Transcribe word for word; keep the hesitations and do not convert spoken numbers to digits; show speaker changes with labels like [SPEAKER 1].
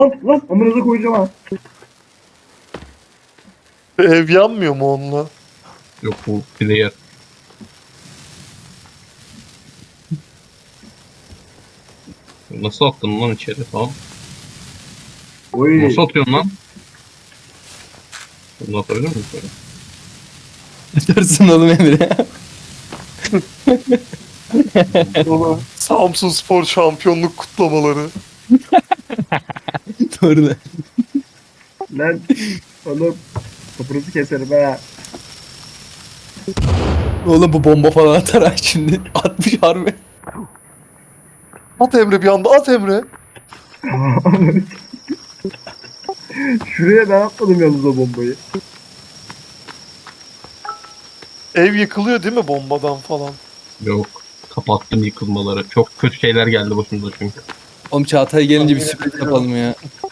[SPEAKER 1] Lan lan amınıza koyacağım ha.
[SPEAKER 2] Ev yanmıyor mu onunla?
[SPEAKER 3] Yok bu player. Nasıl attın lan içeri falan?
[SPEAKER 1] Oy.
[SPEAKER 3] Nasıl atıyorsun lan? Bunu atabilir miyim böyle?
[SPEAKER 4] Dursun oğlum Emre.
[SPEAKER 1] Baba.
[SPEAKER 2] Samsun Spor şampiyonluk kutlamaları.
[SPEAKER 4] Doğru da.
[SPEAKER 1] Lan. Oğlum. Topunuzu keserim ha.
[SPEAKER 4] Oğlum bu bomba falan atar ha şimdi. Atmış harbi.
[SPEAKER 2] At Emre bir anda, at Emre.
[SPEAKER 1] Şuraya ben atmadım yalnız o bombayı.
[SPEAKER 2] Ev yıkılıyor değil mi bombadan falan?
[SPEAKER 3] Yok. Kapattım yıkılmaları. Çok kötü şeyler geldi başımıza çünkü.
[SPEAKER 4] Oğlum Çağatay gelince bir
[SPEAKER 2] Tahmin
[SPEAKER 4] sürpriz
[SPEAKER 2] edebiliyorum.
[SPEAKER 4] yapalım ya.